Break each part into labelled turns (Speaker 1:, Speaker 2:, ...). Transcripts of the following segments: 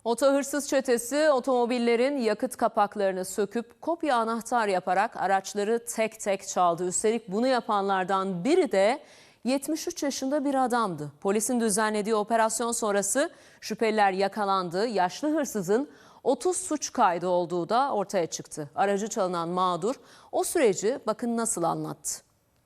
Speaker 1: Oto hırsız çetesi otomobillerin yakıt kapaklarını söküp kopya anahtar yaparak araçları tek tek çaldı. Üstelik bunu yapanlardan biri de 73 yaşında bir adamdı. Polisin düzenlediği operasyon sonrası şüpheliler yakalandı. Yaşlı hırsızın 30 suç kaydı olduğu da ortaya çıktı. Aracı çalınan mağdur o süreci bakın nasıl anlattı.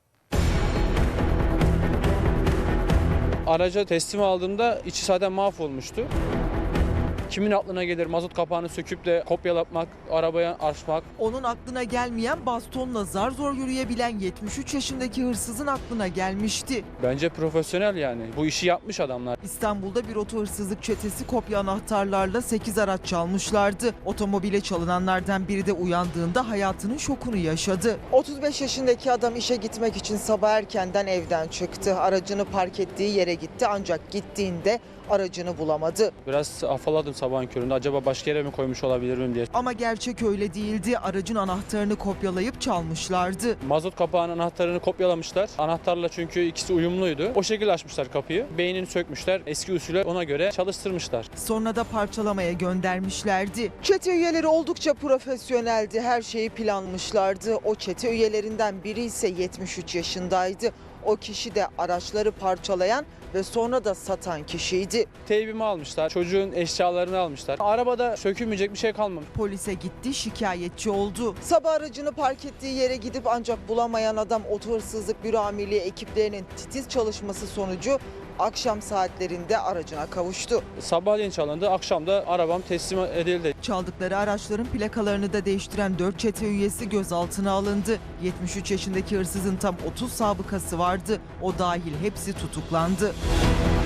Speaker 2: Araca teslim aldığımda içi zaten mahvolmuştu. Kimin aklına gelir mazot kapağını söküp de kopyalatmak, arabaya açmak?
Speaker 3: Onun aklına gelmeyen, bastonla zar zor yürüyebilen 73 yaşındaki hırsızın aklına gelmişti.
Speaker 2: Bence profesyonel yani. Bu işi yapmış adamlar.
Speaker 3: İstanbul'da bir oto hırsızlık çetesi kopya anahtarlarla 8 araç çalmışlardı. Otomobile çalınanlardan biri de uyandığında hayatının şokunu yaşadı. 35 yaşındaki adam işe gitmek için sabah erkenden evden çıktı. Aracını park ettiği yere gitti ancak gittiğinde aracını bulamadı.
Speaker 2: Biraz afalladım sabahın köründe. Acaba başka yere mi koymuş olabilir miyim diye.
Speaker 3: Ama gerçek öyle değildi. Aracın anahtarını kopyalayıp çalmışlardı.
Speaker 2: Mazot kapağının anahtarını kopyalamışlar. Anahtarla çünkü ikisi uyumluydu. O şekilde açmışlar kapıyı. Beynini sökmüşler. Eski usulü ona göre çalıştırmışlar.
Speaker 3: Sonra da parçalamaya göndermişlerdi. Çete üyeleri oldukça profesyoneldi. Her şeyi planmışlardı. O çete üyelerinden biri ise 73 yaşındaydı. O kişi de araçları parçalayan ve sonra da satan kişiydi.
Speaker 2: Teybimi almışlar. Çocuğun eşyalarını almışlar. Arabada sökülmeyecek bir şey kalmamış.
Speaker 3: Polise gitti, şikayetçi oldu. Sabah aracını park ettiği yere gidip ancak bulamayan adam oto hırsızlık büro amirliği ekiplerinin titiz çalışması sonucu akşam saatlerinde aracına kavuştu.
Speaker 2: Sabahleyin çalındı. Akşam da arabam teslim edildi.
Speaker 3: Çaldıkları araçların plakalarını da değiştiren 4 çete üyesi gözaltına alındı. 73 yaşındaki hırsızın tam 30 sabıkası vardı. O dahil hepsi tutuklandı.